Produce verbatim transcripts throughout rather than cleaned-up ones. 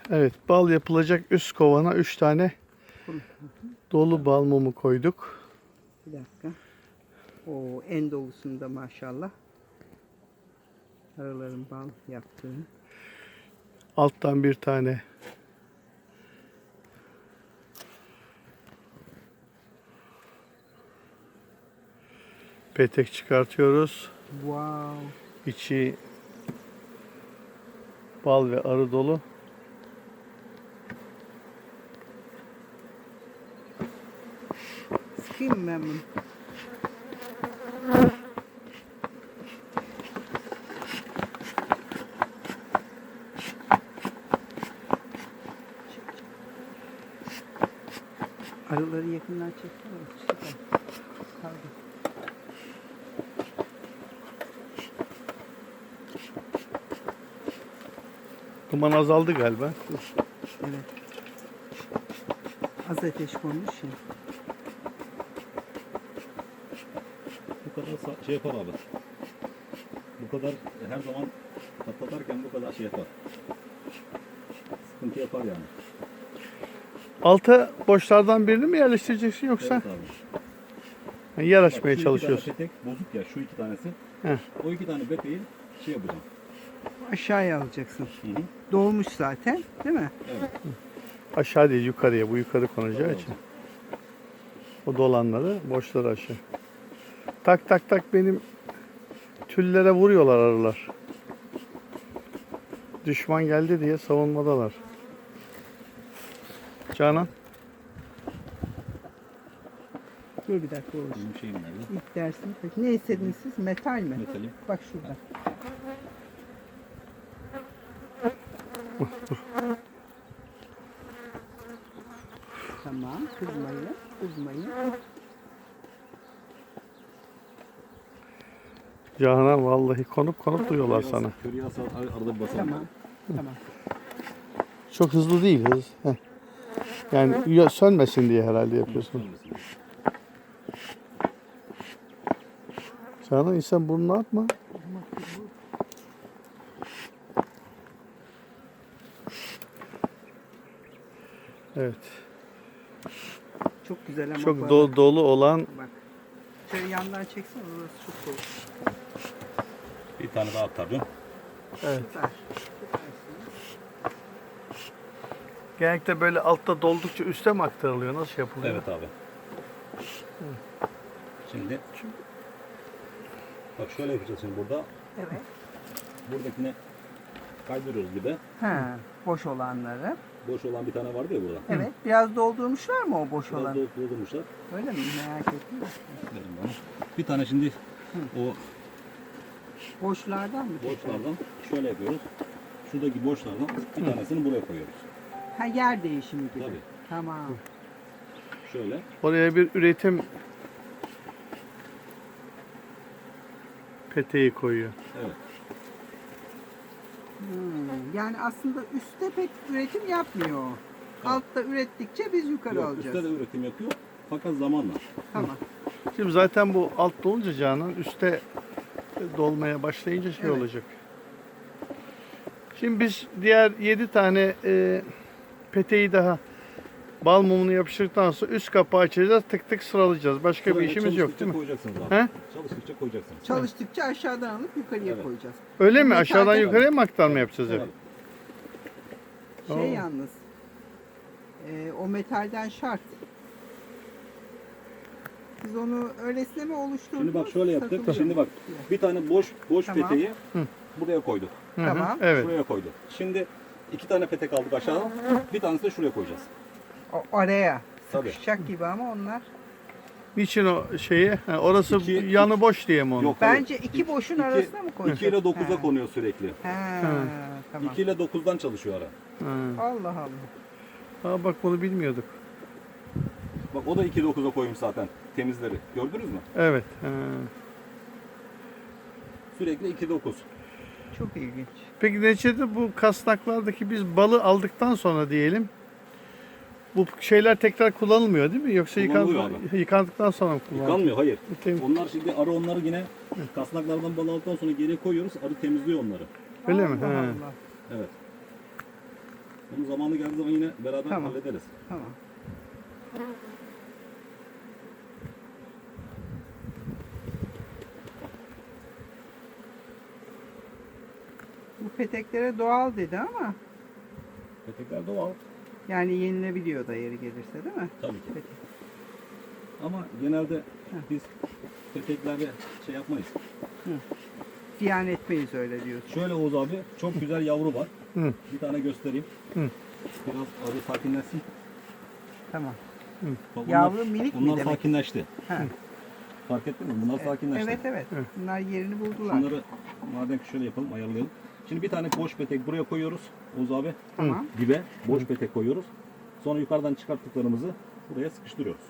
Evet, bal yapılacak üst kovana üç tane dolu bal mumu koyduk. Bir dakika. O en dolusunda maşallah. Araların bal yaptığını. Alttan bir tane petek çıkartıyoruz. Wow. İçi bal ve arı dolu. Sıkayım mı ben bunu? Arıları yakından çeksene. Süper. Pardon. Duman azaldı galiba. Evet. Az ateş konmuş ya. Bu kadar sa- şey yapar abi. Bu kadar her zaman patlatarken bu kadar şey yapar. Sıkıntı yapar yani. Alta boşlardan birini mi yerleştireceksin yoksa Evet abi. yani yer Bak, açmaya şu çalışıyorsun? iki tane petek bozuk ya, şu iki tanesi. Heh. O iki tane peteği şey yapacağım. Aşağıya alacaksın. Hı hı. Dolmuş zaten, değil mi? Evet. Aşağı değil yukarıya. Bu yukarı konacağı Evet. için. O dolanları boşları aşağı. Tak tak tak benim tüllere vuruyorlar arılar. Düşman geldi diye savunmadalar. Canan. Dur bir dakika olur. Benim şeyim nerede? İlk dersin. Peki ne istediniz siz? Metal mi? Metalim. Bak şurada. Tamam. Kızmayın. Kızmayın. Canan vallahi konup konup duyuyorlar sana. Körüye asal ar- arada bir basalım. Tamam. Tamam. Çok hızlı değil hız. Heh. Yani ya- sönmesin diye herhalde yapıyorsun. Canan insan burnunu atma. Evet. Çok güzel ama Çok bu do- dolu olan Bak. Şöyle yandan çeksen orası çok dolu. Bir tane daha atarım. evet. Süper. Genellikle böyle altta doldukça üste mi aktarılıyor? Nasıl yapılıyor? Evet abi. Şimdi bak şöyle yapacağız şimdi burada. Evet. Buradakine kaydırıyoruz gibi. Ha, boş olanları. Boş olan bir tane vardı ya burada. Evet. Biraz doldurmuşlar mı o boş Biraz olan? da doldurmuşlar. Öyle mi? Merak ettim. Dedim bana. Bir tane şimdi o Boşlardan mı? boşlardan şöyle yapıyoruz. Şuradaki boşlardan bir tanesini buraya koyuyoruz. Ha, yer değişimi gibi. Tabii. Tamam. Şöyle. Oraya bir üretim peteği koyuyor. Evet. Hmm, yani aslında üstte pek üretim yapmıyor. Altta ürettikçe biz yukarı Yok, alacağız. üstte de üretim yapıyor. Fakat zamanla. Tamam. Şimdi zaten bu alt dolunca Canan üste dolmaya başlayınca şey Evet. olacak. Şimdi biz diğer yedi tane e, peteği daha bal mumunu yapıştırdıktan sonra üst kapağı açacağız, tık tık sıralayacağız. Başka bir Şuraya işimiz yok çalıştıkça değil mi? koyacaksınız abi. He? Çalıştıkça koyacaksınız. Çalıştıkça aşağıdan alıp yukarıya Evet. koyacağız. Öyle mi? Metalden- Aşağıdan yukarıya mı aktarma yapacağız? Evet. hep? Şey Oo. yalnız. e, o metalden şart. Biz onu öylesine mi oluşturduk? Şimdi bak şöyle yaptık. Satılıyor Şimdi mu? bak bir tane boş boş Tamam. peteği Hı. buraya koyduk. Hı hı, Tamam. Evet. Şuraya koyduk. Şimdi iki tane petek aldık aşağıdan. Bir tanesi de şuraya koyacağız. O araya. Tabii. Sıkışacak gibi ama onlar. Niçin o şeyi? Ha, orası İki- yanı boş diye mi onu? Yok. Hayır. Bence iki boşun İki- arasına mı koyacağız? iki ile dokuza He. konuyor sürekli. He, tamam. iki ile dokuzdan çalışıyor ara. Ha. Allah Allah. Ha, bak bunu bilmiyorduk. Bak o da iki dokuza koymuş zaten temizleri. Gördünüz mü? Evet. Ha. Sürekli iki dokuz. Çok ilginç. Peki neticede bu kasnaklardaki biz balı aldıktan sonra diyelim bu şeyler tekrar kullanılmıyor değil mi? Yoksa Kullanılıyor yıkandı, yıkandıktan sonra mı kullanılıyor? Yıkanmıyor, hayır. Tem- Onlar şimdi arı onları yine kasnaklardan bal aldıktan sonra geri koyuyoruz. Arı temizliyor onları. Öyle mi? Allah He. Allah. Evet. Bunun zamanı geldiği zaman yine beraber Tamam. hallederiz. Tamam. Bu peteklere doğal dedi ama Petekler doğal. yani yenilebiliyor da yeri gelirse değil mi? Tabii ki. Petek. Ama genelde biz peteklerde şey yapmayız. Ziyan etmeyiz öyle diyorsun. Şöyle Oğuz abi, çok güzel yavru var. Hı. Bir tane göstereyim. Hı. Biraz arı sakinleşsin. Tamam. Bak bunlar- Yavru minik mi Bunlar demek? sakinleşti. Ha. Fark ettin mi? Bunlar sakinleşti. Evet evet. Hı. Bunlar yerini buldular. Şunları madem ki şöyle yapalım, ayarlayalım. Şimdi bir tane boş petek buraya koyuyoruz Oğuz abi. Tamam. Dibe boş petek koyuyoruz. Sonra yukarıdan çıkarttıklarımızı buraya sıkıştırıyoruz.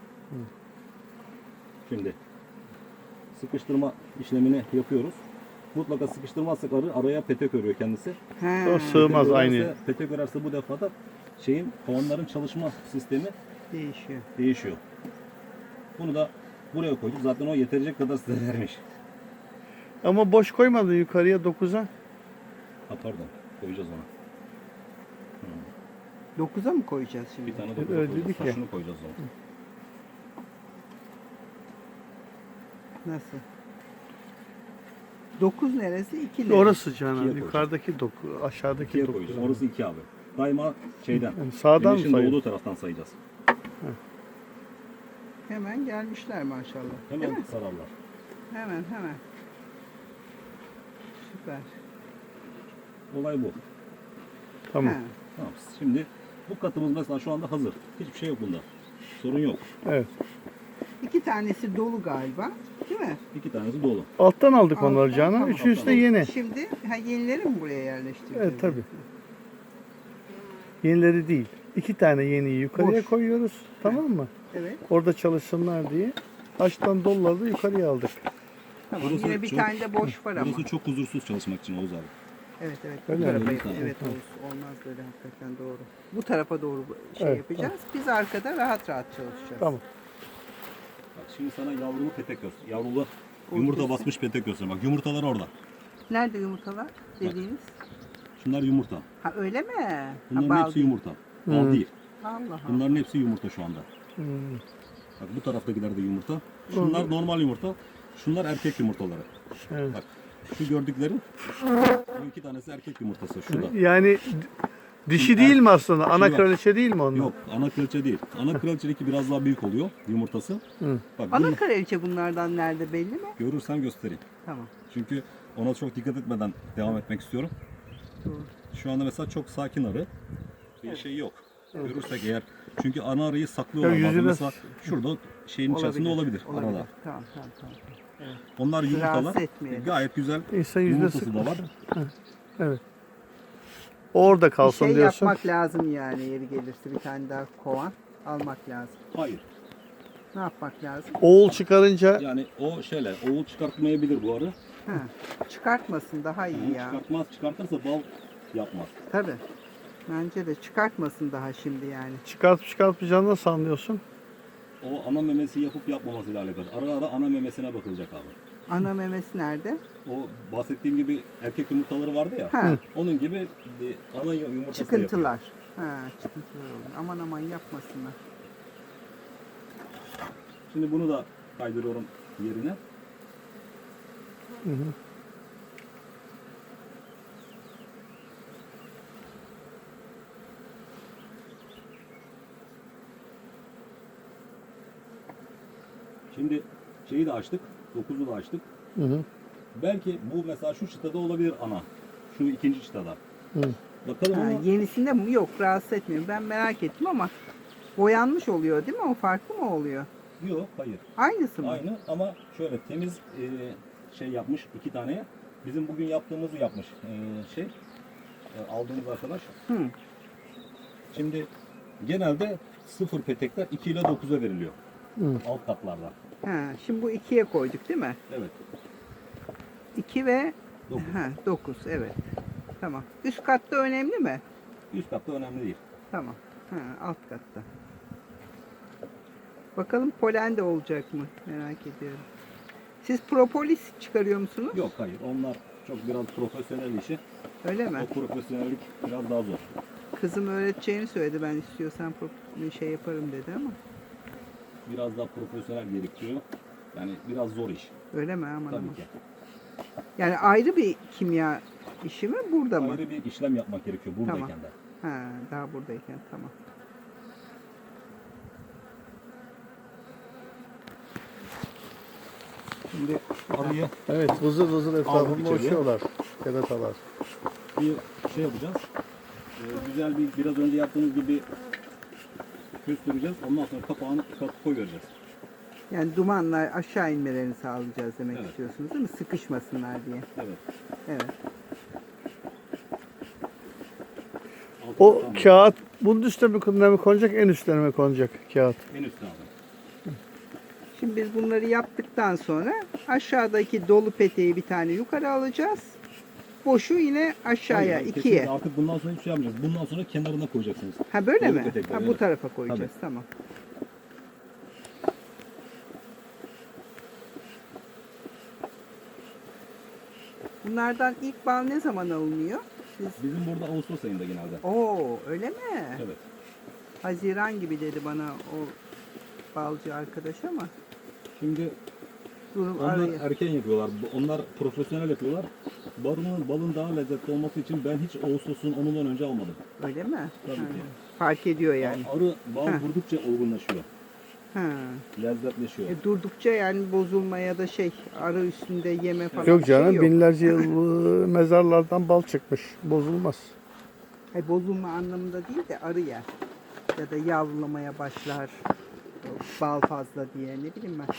Şimdi sıkıştırma işlemini yapıyoruz. Mutlaka sıkıştırmazsak arı araya petek örüyor kendisi. Ha. O sığmaz Petek aynı. örerse- Petek örerse bu defa da şeyin kovanların çalışma sistemi Değişiyor. değişiyor. Bunu da buraya koyduk. Zaten o yetecek kadar size vermiş. Ama boş koymadın yukarıya dokuza. Ha pardon. Koyacağız ona. Dokuza mı koyacağız şimdi? Bir tane Evet, dokuza öyle koyacağız. dedik Ha, ya. şunu koyacağız ona. Nasıl? Dokuz neresi? İki neresi? Orası Canan. İkiye Yukarıdaki doku, aşağıdaki İkiye doku. koyacağız. Orası iki abi. Daima şeyden. Yani sağdan mı Güneşin sayıyorsun? doğduğu taraftan sayacağız. Hemen gelmişler maşallah. Değil Hemen mi? sararlar. Hemen hemen. Süper. Olay bu. Tamam. Ha. Tamam. Şimdi bu katımız mesela şu anda hazır. Hiçbir şey yok bunda. Sorun yok. Evet. İki tanesi dolu galiba. Değil mi? İki tanesi dolu. Alttan aldık onları Alttan, Canan. tamam, Üçüncüsü de alttan yeni. Şimdi ha, yenileri mi buraya yerleştireceğiz? Evet tabii. Yenileri değil. İki tane yeniyi yukarıya Boş. koyuyoruz. Tamam mı? Evet. Orada çalışsınlar diye. Açtan doluları da yukarıya aldık. Tamam. Burası Yine bir çok- tane de boş var ama. Burası çok huzursuz çalışmak için Oğuz abi. Evet evet. Öyle bu tarafa mi? yapalım. Tamam. Evet olsun. Olmaz böyle hakikaten doğru. Bu tarafa doğru bu- şey Evet, yapacağız. Biz arkada rahat rahat çalışacağız. Tamam. Bak şimdi sana yavrulu petek göster. Yavrulu yumurta Ortası. basmış petek göster. Bak yumurtalar orada. Nerede yumurtalar dediğiniz? Şunlar yumurta. Ha öyle mi? Ha, Bunların bal hepsi değil. yumurta. Bal Hı. değil. Allah Allah. Bunların hepsi yumurta şu anda. Hmm. Bak bu taraftakiler de yumurta. Şunlar normal yumurta. Şunlar erkek yumurtaları. Evet. Bak şu gördüklerin bu iki tanesi erkek yumurtası şurada. Yani dişi değil mi aslında? Ana yok. kraliçe değil mi onlar? Yok ana kraliçe değil. Ana kraliçedeki biraz daha büyük oluyor yumurtası. Hı. Bak Ana bunu kraliçe bunlardan nerede belli mi? görürsen göstereyim. Tamam. Çünkü ona çok dikkat etmeden devam etmek istiyorum. Doğru. Şu anda mesela çok sakin arı. Bir Evet. şey yok. Görürsek eğer. Çünkü ana arıyı saklıyorlar. Ya bazen yüzüne- mesela şurada şeyin içerisinde olabilir, Olabilir. arada. Tamam tamam tamam. Evet. Onlar yumurtalar. Rahatsız etmeyelim. Gayet güzel. İnsan yüzüne Yumurtası da var. sıkmış. Evet. Orada Bir kalsın şey diyorsun. yapmak lazım yani yeri gelirse bir tane daha kovan almak lazım. Hayır. Ne yapmak lazım? Oğul çıkarınca Yani o şeyler, oğul çıkartmayabilir bu arı. Ha, çıkartmasın daha iyi ya. Çıkartmaz, çıkartırsa bal yapmaz. Tabii. Bence de çıkartmasın daha şimdi yani. çıkartıp çıkartmayacağını nasıl anlıyorsun? O ana memesi yapıp yapmamasıyla alakalı. Ara ara ana memesine bakılacak abi. Ana memesi nerede? O bahsettiğim gibi erkek yumurtaları vardı ya. Ha, Onun gibi bir ana yumurtası da yapıyor. çıkıntılar. Ha, çıkıntılar oluyor. Aman aman yapmasınlar. Şimdi bunu da kaydırıyorum yerine. Hı hı. Şimdi şeyi de açtık. dokuzu da açtık. Hı hı. Belki bu mesela şu çıtada olabilir ana. Şu ikinci çıtada. Hı. Bakalım Ha, ama yenisinde mi? Yok rahatsız etmiyor. Ben merak ettim ama boyanmış oluyor değil mi? O farklı mı oluyor? yok, hayır. Aynısı mı? Aynı ama şöyle temiz e, şey yapmış iki taneye. Bizim bugün yaptığımızı yapmış e, şey e, aldığımız arkadaş. Hı. Şimdi genelde sıfır petekler iki ile dokuza veriliyor. Hı. Alt katlarda. Ha, şimdi bu ikiye koyduk değil mi? Evet. iki ve dokuz. ha, dokuz evet. Tamam. Üst katta önemli mi? Üst katta önemli değil. Tamam. Ha, alt katta. Bakalım polen de olacak mı? Merak ediyorum. Siz propolis çıkarıyor musunuz? Yok, hayır. Onlar çok biraz profesyonel işi. Öyle mi? O profesyonellik biraz daha zor. Kızım öğreteceğini söyledi. Ben istiyorsan pro- şey yaparım dedi ama. Biraz daha profesyonel gerektiriyor. Yani biraz zor iş. Öyle mi? Aman Tabii aman. ki. Yani ayrı bir kimya işi mi? Burada mı? Ayrı bir işlem yapmak gerekiyor buradayken Tamam. de. Ha, daha buradayken tamam. Şimdi arıyı Evet, vızır vızır etrafında içeriye. uçuyorlar keratalar. bir şey yapacağız. Ee, güzel bir biraz önce yaptığımız gibi köstüreceğiz. Ondan sonra kapağını kapatıp koy vereceğiz. Yani dumanlar aşağı inmelerini sağlayacağız demek Evet. istiyorsunuz değil mi? Sıkışmasınlar diye. Evet. Evet. Altı O tamam. kağıt bunun üstüne mi, mi konacak, en üstüne mi konacak kağıt? En üstüne abi. Şimdi biz bunları yaptıktan sonra aşağıdaki dolu peteği bir tane yukarı alacağız. Boşu yine aşağıya Hayır, ikiye. kesinlikle artık bundan sonra hiçbir şey yapmayacağız. Bundan sonra kenarına koyacaksınız. Ha böyle Dolu mi? petekleri, Ha, bu evet. tarafa koyacağız. Tabii. Tamam. Bunlardan ilk bal ne zaman alınıyor? Siz... Bizim burada Ağustos ayında genelde. Oo, öyle mi? Evet. Haziran gibi dedi bana o balcı arkadaş ama Şimdi durum onlar arayı. erken yapıyorlar. Onlar profesyonel yapıyorlar. Balın, balın daha lezzetli olması için ben hiç Ağustos'un onundan önce almadım. Öyle mi? Tabii Ha. ki. Fark ediyor yani. Arı bal Ha. vurdukça olgunlaşıyor. Ha. Lezzetleşiyor. E, durdukça yani bozulma ya da şey arı üstünde yeme falan Yok bir şey canım, yok. binlerce yıl e, mezarlardan bal çıkmış. Bozulmaz. Hayır, bozulma anlamında değil de arı yer. Ya da yavrulamaya başlar. Bal fazla diye ne bileyim ben.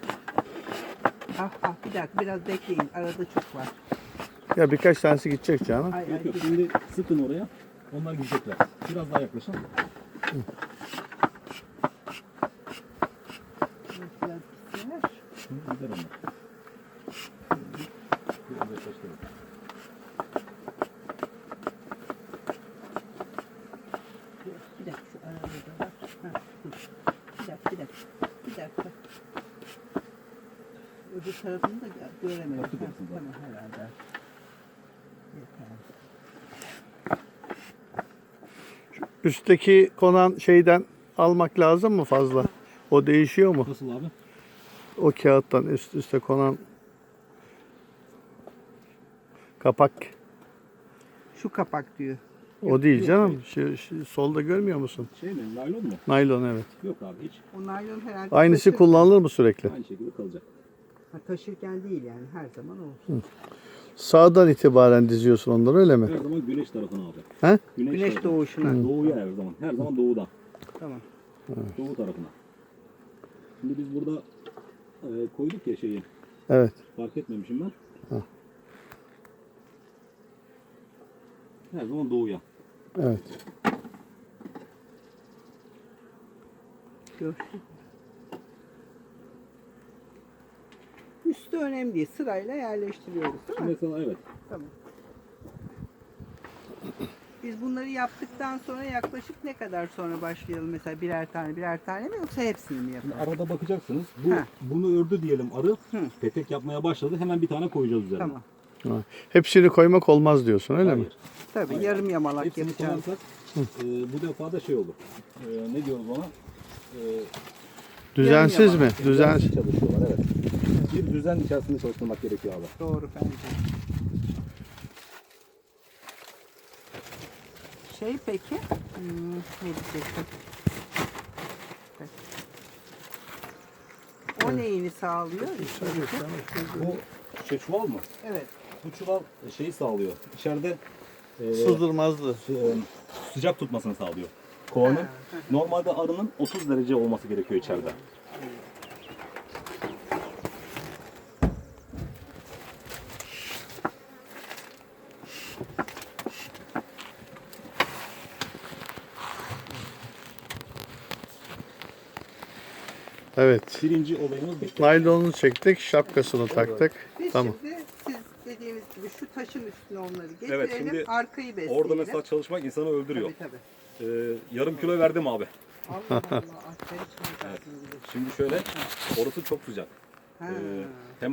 Ah ah bir dakika biraz bekleyin. Arada çok var. Ya birkaç tanesi gidecek canım. Ay, ay, Yok yok, bir- şimdi sıkın oraya. Onlar gidecekler. Biraz daha yaklaşın. biraz gitsinler. Hı, gider onlar. Biraz yaklaştırın. Bir dakika şu arada da var. Ha, dur. Bir dakika bir dakika. Bir dakika. Öbür tarafını da gö- göremedim. Yaptık Ha, hepsini zaten. tamam herhalde. Yeter. Üstteki konan şeyden almak lazım mı fazla? O değişiyor mu? Nasıl abi? O kağıttan üst üste konan kapak. Şu kapak diyor. O değil yok, canım. Şu, şu solda görmüyor musun? Şey mi? Naylon mu? Naylon, evet. Yok abi hiç. O naylon herhalde Aynısı taşır- kullanılır mı sürekli? Aynı şekilde kalacak. Ha, taşırken değil yani her zaman olur. Sağdan itibaren diziyorsun onları, öyle mi? Her zaman güneş tarafına abi. He? Güneş tarafına. doğuşuna. Doğuya her zaman. Her zaman doğudan. Tamam. Doğu tarafına. Şimdi biz burada e, koyduk ya şeyi. Evet. Fark etmemişim ben. Ha. Her zaman doğuya. Evet. Görsün. Üstü önemli değil. Sırayla yerleştiriyoruz değil mi? Mesela evet. Tamam. Biz bunları yaptıktan sonra yaklaşık ne kadar sonra başlayalım? Mesela birer tane birer tane mi yoksa hepsini mi Şimdi yapalım? arada bakacaksınız. Bu Ha. bunu ördü diyelim arı. Hı. Petek yapmaya başladı. Hemen bir tane koyacağız üzerine. Tamam. Ha. Hepsini koymak olmaz diyorsun, öyle mi? Hayır. Tabii Hayır. yarım yamalak Hepsini yapacağız. koyarsak e, bu defa da şey olur. E, ne diyoruz ona? E, Düzensiz mi? yamalak. Düzensiz. çalışıyorlar evet. Bir düzen içerisinde çalıştırmak gerekiyor abi. Doğru bence. Şey peki, hmm, ne diyecektim? O neyini sağlıyor? Bu şey çuval mı? Evet. Bu çuval şeyi sağlıyor. İçeride e, Sızdırmazdı. sı- e, sıcak tutmasını sağlıyor. Kovanın. Ha, Normalde arının otuz derece olması gerekiyor içeride. Evet. Birinci olayımız bitti. Naylonunu çektik, şapkasını taktık. Biz Tamam. şimdi siz dediğiniz gibi şu taşın üstüne onları getirelim, Evet, şimdi arkayı besleyelim. Orada mesela çalışmak insanı öldürüyor. Tabii tabii. Ee, yarım kilo verdim abi. Allah Allah, aferin sana. Şimdi şöyle, orası çok sıcak. Ha. Ee, hem